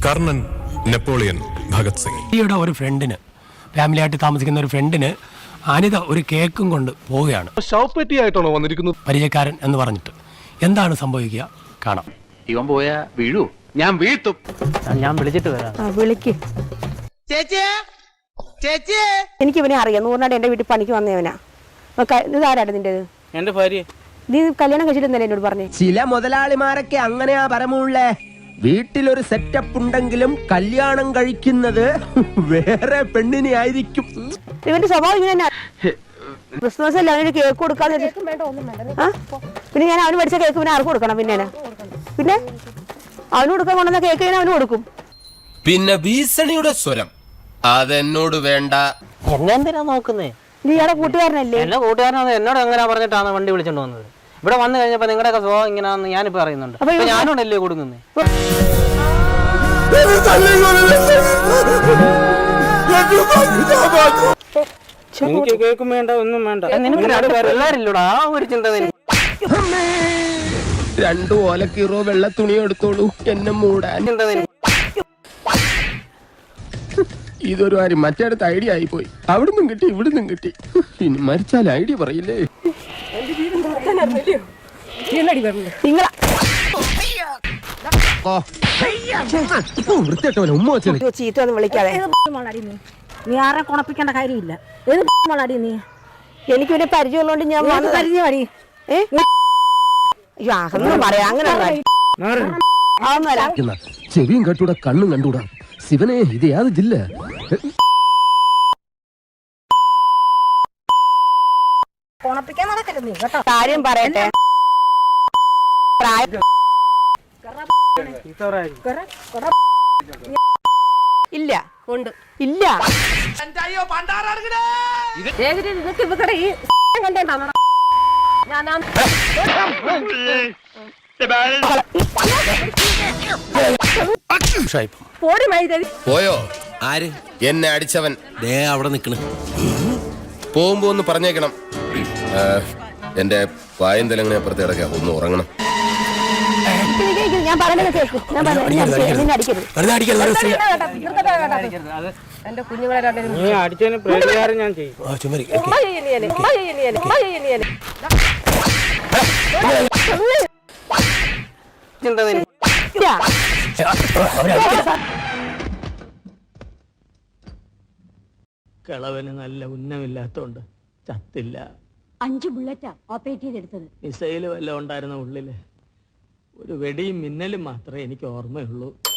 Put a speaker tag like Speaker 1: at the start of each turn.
Speaker 1: Karnan, Napoleon, Bhagat Singh.
Speaker 2: ഈയുടെ ഒരു ഫ്രണ്ടിന്, ഫാമിലി ആയിട്ട് താമസിക്കുന്ന ഒരു ഫ്രണ്ടിന് അനിത ഒരു കേക്കും കൊണ്ട് പോവുകയാണ്.
Speaker 3: ശവപ്പെട്ടിയായിട്ടാണോ വന്നിരിക്കുന്നത്?
Speaker 2: പരിചയക്കാരൻ എന്ന് പറഞ്ഞിട്ട്. എന്താണ് സംഭവിക്കുക കാണാം.
Speaker 4: ഇവൻ പോയാ വീഴൂ, ഞാൻ വീഴ്ത്തും.
Speaker 5: ഞാൻ വിളിച്ചിട്ട് വരാം.
Speaker 6: വിളിക്ക്. എനിക്ക് ഇവനെ അറിയാം. നൂറിനാട് എന്റെ വീട്ടിൽ പണിക്ക് വന്നവനാ. ഇതാരാണ് നിന്റേത്?
Speaker 5: എന്റെ ഭാര്യ.
Speaker 6: നീ കല്യാണം കഴിച്ചിട്ടുണ്ടല്ലേ എന്നോട് പറഞ്ഞേ?
Speaker 7: ചില മുതലാളിമാരൊക്കെ അങ്ങനെയാ പരമുള്ളേ. വീട്ടിലൊരു സെറ്റപ്പ് ഉണ്ടെങ്കിലും കല്യാണം കഴിക്കുന്നത് വേറെ പെണ്ണിനെ ആയിരിക്കും.
Speaker 6: ഇവന്റെ സ്വഭാവം ഇങ്ങനെ ക്രിസ്മസ് അല്ല, അവനൊരു കേക്ക് കൊടുക്കാതെ. പിന്നെ ഞാൻ അവന് മേടിച്ച കേക്ക് പിന്നെ ആർക്ക് കൊടുക്കണം? പിന്നെ അവന് കൊടുക്കാൻ കൊണ്ടുവന്ന കേക്ക് ഞാൻ അവന് കൊടുക്കും.
Speaker 8: പിന്നെ ഭീഷണിയുടെ സ്വരം അതെന്നോട് വേണ്ട.
Speaker 5: എന്നെ എന്തിനാ നോക്കുന്നേ?
Speaker 6: നീ ഇയാളെ കൂട്ടുകാരനല്ലേ?
Speaker 5: എന്നെ കൂട്ടുകാരനാണ്. എന്നോട് എങ്ങനെ പറഞ്ഞിട്ടാണ് വണ്ടി വിളിച്ചോണ്ട് വന്നത്? ഇവിടെ വന്നു കഴിഞ്ഞപ്പോ നിങ്ങളുടെയൊക്കെ സ്വഭാവം ഇങ്ങനെയാണെന്ന് ഞാനിപ്പോ അറിയുന്നുണ്ട്. ഞാനോടല്ലേ കൊടുക്കുന്നേ? എനിക്ക് കേൾക്കും വേണ്ട, ഒന്നും വേണ്ട. എല്ലാരില്ലൂടാ ആ ഒരു ചിന്ത.
Speaker 7: രണ്ടു ഓലക്കീറോ വെള്ള തുണി എടുത്തോളൂ എന്നെ മൂടാൻ. ഇതൊരു കാര്യം മറ്റേടത്ത് ഐഡിയ ആയി പോയി. അവിടുന്നും കിട്ടി ഇവിടുന്നും കിട്ടി. ഇനി മരിച്ചാൽ ഐഡിയ പറയില്ലേ? വൃത്തിയായിട്ടവനെ ഉമ്മ വെച്ചത്
Speaker 6: ചീത്ത ഒന്നും വിളിക്കാതെ.
Speaker 9: നീ ആരെ കുണപ്പിക്കേണ്ട കാര്യമില്ല. നീ
Speaker 6: എനിക്ക് പിന്നെ പരിചയമുള്ളതുകൊണ്ട് ഞാൻ
Speaker 9: പരിചയമാടി.
Speaker 6: അതൊന്നും പറയാ. അങ്ങനെ
Speaker 7: ചെവിയും കണ്ടൂടാ കണ്ണും കണ്ടൂടാ. ശിവനെ ഇത് യാത് ജില്ല?
Speaker 9: കുണപ്പിക്കാൻ നടക്കരുത് നീ കേട്ടോ.
Speaker 6: കാര്യം പറയട്ടെ. ഇല്ല ഉണ്ട് ഇല്ല.
Speaker 9: നിനക്ക് ഇവിടെ ഈ കണ്ടേണ്ടാണോ?
Speaker 8: പോയോ? ആര്? എന്നെ അടിച്ചവൻ ദേ അവിടെ നിക്കണ്. പോകുമ്പോ ഒന്ന് പറഞ്ഞേക്കണം. എന്റെ പായം തലങ്ങനെ അപ്പുറത്തെ ഇടയ്ക്കാ, ഒന്ന് ഉറങ്ങണം.
Speaker 6: ഞാൻ പറയുന്നത് കേൾക്കും. എന്റെ കുഞ്ഞുങ്ങളെ
Speaker 5: അടിച്ചതിന് പ്രതികാരം ഞാൻ ചെയ്യും. കിളവന് നല്ല ഉന്നമില്ലാത്തോണ്ട് ചത്തില്ല.
Speaker 9: 5 ബുള്ളറ്റാ ഓപ്പറേറ്റ് ചെയ്തെടുത്തത്.
Speaker 5: മിസൈല് വല്ലതും ഉണ്ടായിരുന്ന ഉള്ളില്. ഒരു വെടിയും മിന്നലും മാത്രമേ എനിക്ക് ഓർമ്മയുള്ളൂ.